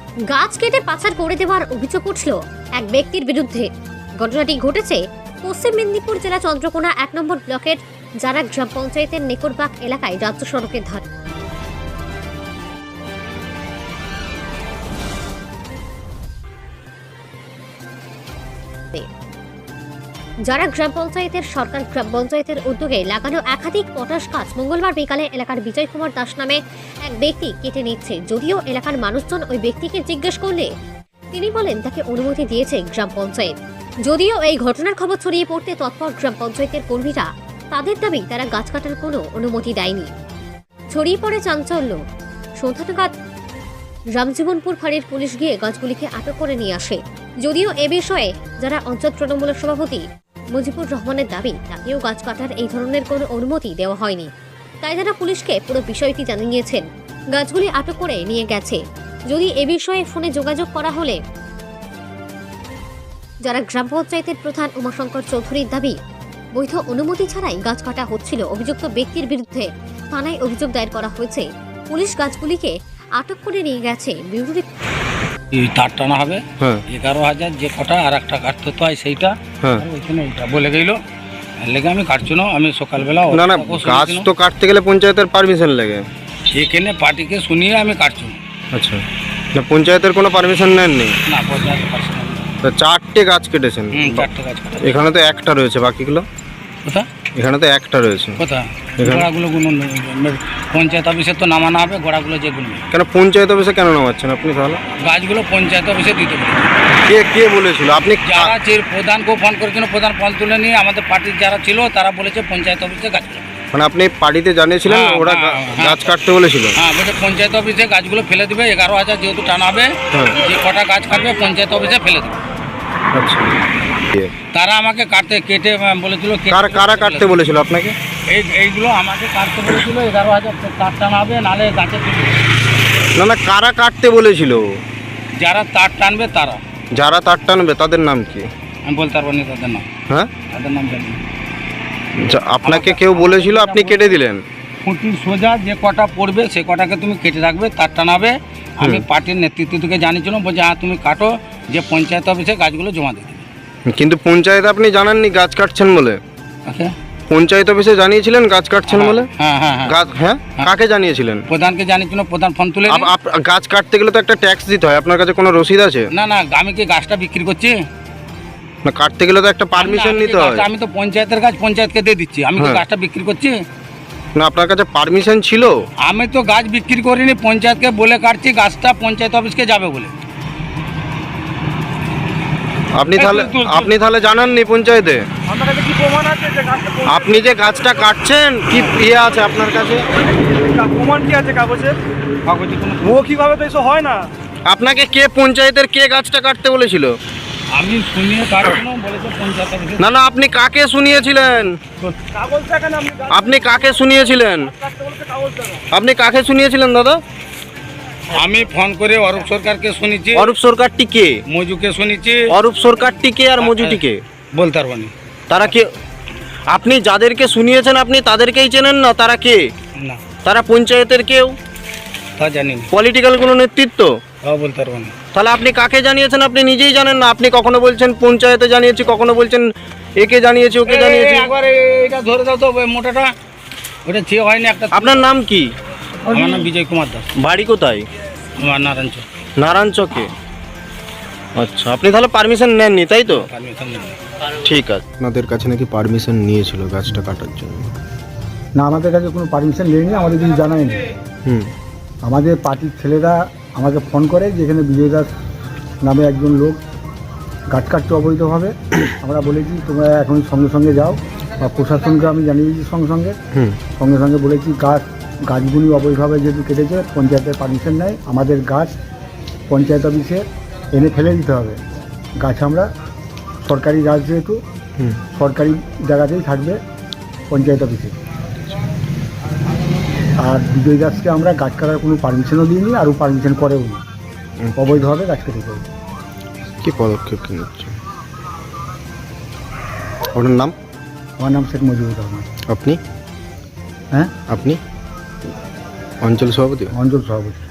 গাছ কেটে পাচার করে দেওয়ার অভিযোগ উঠল এক ব্যক্তির বিরুদ্ধে। ঘটনাটি ঘটেছে পশ্চিম মেদিনীপুর জেলা চন্দ্রকোনা 1 নম্বর ব্লকের জারা গ্রাম পঞ্চায়েতের নেকরবাগ এলাকায় রাজ্য সড়কের ধারে। যারা গ্রাম পঞ্চায়েতের সরকার গ্রাম পঞ্চায়েতের উদ্যোগে লাগানো একাধিক পটাশ গাছ মঙ্গলবার বিকালে এলাকার বিজয় কুমার দাস নামে এক ব্যক্তি কেটে নিচ্ছে। যদিও এলাকার মানুষজন ওই ব্যক্তিকে জিজ্ঞেস করলে তিনি বলেন তাকে অনুমতি দিয়েছে গ্রাম পঞ্চায়েত। যদিও এই ঘটনার খবর ছড়িয়ে পড়তে তৎপর গ্রাম পঞ্চায়েতের কর্মীরা, তাদের দাবি তারা গাছ কাটার কোনো অনুমতি দেয়নি। ছড়িয়ে পড়ে চাঞ্চল্য। সন্ধ্যা নাগাদ রামজীবনপুর ফাঁড়ির পুলিশ গিয়ে গাছগুলিকে আটক করে নিয়ে আসে। যদিও এ বিষয়ে যারা অঞ্চল তৃণমূলের সভাপতি মুজিবুর রহমানের দাবি তাকেও গাছ কাটার এই ধরনের কোনো অনুমতি দেওয়া হয়নি, তাই তারা পুলিশকে পুরো বিষয়টি জানিয়েছেন। গাছগুলি আটক করে নিয়ে গেছে। যদি এ বিষয়ে ফোনে যোগাযোগ করা হলে যারা গ্রাম পঞ্চায়েতের প্রধান উমাশঙ্কর চৌধুরীর দাবি বৈধ অনুমতি ছাড়াই গাছ কাটা হচ্ছিল। অভিযুক্ত ব্যক্তির বিরুদ্ধে থানায় অভিযোগ দায়ের করা হয়েছে। পুলিশ গাছগুলিকে আটক করে নিয়ে গেছে। তার টানা হবে 11,000 যে কটা আর একটা কাটতে হয় সেইটা ওইখানে ওইটা বলে গেল লেগে আমি কাটছি না। আমি সকালবেলা না না গাছ তো কাটতে গেলে পঞ্চায়েতের পারমিশন লাগে, এখানে পার্টিকে শুনিয়ে আমি কাটছি না। আচ্ছা, না পঞ্চায়েতের কোনো পারমিশন নেননি? না পঞ্চায়েত পারছি না। তো 4টে গাছ কেটেছেন? 4টে গাছ কাটা। এখানে তো একটা রয়েছে, বাকিগুলো কোথা? এখানে তো একটা রয়েছে। কোথা? গোড়াগুলো পঞ্চায়েত অফিসে তো নামানো হবে গোড়াগুলো যেগুলো। কেন পঞ্চায়েত অফিসে কেন নামাচ্ছেন আপনি তাহলে? গাছগুলো পঞ্চায়েত অফিসে দিতে পারি। কে বলেছিল? আপনি যারা প্রধানকেও ফোন করেছিল, প্রধান ফোন তুলে নিয়ে আমাদের পার্টির যারা ছিল তারা বলেছে পঞ্চায়েত অফিসে গাছগুলো। মানে আপনি পার্টিতে জানিয়েছিলেন ওরা গাছ কাটতে বলেছিল? হ্যাঁ, বলছে পঞ্চায়েত অফিসে গাছগুলো ফেলে দিবে। 11,000 যেহেতু টানা হবে, যে কটা গাছ কাটবে পঞ্চায়েত অফিসে ফেলে দেবে। আচ্ছা, তারা আমাকে কেটে বলেছিল। কারা কাটতে বলেছিল আপনাকে? এইগুলো আমাকে কাটতে বলেছিল। 11,000 তার টানা হবে, নালে গাছে তুলবে। না কারা কাটতে বলেছিল? যারা তার টানবে তারা। যারা তার টানবে তাদের নাম কি? আমি বলতে পারবো না তাদের নাম। হ্যাঁ, তাদের নাম জানি না। আপনাকে কেউ বলেছিল, আপনি কেটে দিলেন? খুঁটির সোজা যে কটা পড়বে সে কটাকে তুমি কেটে রাখবে, তার টানাবে। আমি পার্টির নেতৃত্ব থেকে জানিয়েছিলাম, বলছে হ্যাঁ তুমি কাটো, যে পঞ্চায়েত অফিসে গাছগুলো জমা দিয়ে দেবে। কিন্তু পঞ্চায়েত আপনি জানাননি গাছ কাটছেন বলে? আচ্ছা, পঞ্চায়েত অফিসে জানিয়েছিলেন গাছ কাটছেন বলে? হ্যাঁ। কাকে জানিয়েছিলেন? প্রধানকে জানিয়েছিল, প্রধান ফোন তুলে। গাছ কাটতে গেলে তো একটা ট্যাক্স দিতে হয়, আপনার কাছে কোনো রসিদ আছে? না, আমি কি গাছটা বিক্রি করছি? না, কাটতে গেলে তো একটা পারমিশন নিতে হয়। আমি তো পঞ্চায়েতের গাছ পঞ্চায়েতকে দিয়ে দিচ্ছি, আমি কি গাছটা বিক্রি করছি? না, আপনার কাছে পারমিশন ছিল? আমি তো গাছ বিক্রি করিনি, পঞ্চায়েতকে বলে কাটছি গাছটা পঞ্চায়েত অফিসকে যাবে বলে। আপনি তাহলে জানাননি পঞ্চায়েতে? আপনি যে গাছটা কাটছেন কি আছে আপনার কাছে? প্রমাণ কি আছে কাগজে? কিভাবে তো এসব হয় না। আপনাকে পঞ্চায়েতের কে গাছটা কাটতে বলেছিল? আমি শুনিয়ে কাটছিলাম, বলেছে পঞ্চায়েত অফিসে। না আপনি কাকে শুনিয়েছিলেন? আপনি কাকে শুনিয়েছিলেন? আপনি কাকে শুনিয়েছিলেন দাদা? আমি ফোন করে অরূপ সরকারকে শুনেছি। অরূপ সরকারটি কে? মজুকে শুনেছি। অরূপ সরকারটি কে আর মজুটি কে? বলতে পারবো না। তারা কে? আপনি যাদেরকে শুনিয়েছেন আপনি তাদেরকেই চেনেন না? তারা কে? না, তারা পঞ্চায়েতের কেউ? তা জানি না। পলিটিক্যাল কোনো নেতৃত্ব? বলতে পারবো না। তাহলে আপনি কাকে জানিয়েছেন আপনি নিজেই জানেন না? আপনি কখনো বলছেন পঞ্চায়েতে জানিয়েছি, কখনো বলছেন একে জানিয়েছি, ওকে জানিয়েছি। একবার এটা ধরে দাও তো মোটাটা, ওটা চেয়ে হয়নি একটা। আপনার নাম কি? আমার নাম বিজয় কুমার দাস। বাড়ি কোথায়? আমার নারায়ণচক। নারায়ণচকে। আচ্ছা, আপনি তাহলে পারমিশন নেননি তাই তো? পারমিশন নেই। ঠিক আছে। আপনাদের কাছে নাকি পারমিশন নিয়েছিল গাছটা কাটার জন্য? না, আমাদের কাছে কোনো পারমিশন নেয়নি, আমাদের কিছু জানায়নি। আমাদের পার্টির ছেলেরা আমাকে ফোন করে যে এখানে বিজয় দাস নামে একজন লোক গাছ কাটতে অবৈধভাবে। আমরা বলেছি তোমরা এখন সঙ্গে সঙ্গে যাও, বা প্রশাসনকে আমি জানিয়েছি সঙ্গে সঙ্গে বলেছি গাছগুলি অবৈধভাবে যেহেতু কেটেছে, পঞ্চায়েতের পারমিশন নেয়, আমাদের গাছ পঞ্চায়েত অফিসে এনে ফেলে দিতে হবে। গাছ আমরা সরকারি গাছ যেহেতু সরকারি জায়গাতেই থাকবে পঞ্চায়েত অফিসে। আর বিজয় দাসকে আমরা গাছ কাটার কোনো পারমিশনও দিইনি, আরও পারমিশন করেও নি, অবৈধভাবে গাছ কেটে দেবো। কী পদক্ষেপ কি নিচ্ছে? আপনার নাম? আমার নাম শেখ মুজিবুর রহমান। আপনি? হ্যাঁ, আপনি অঞ্চল সভাপতি? অঞ্চল সভাপতি।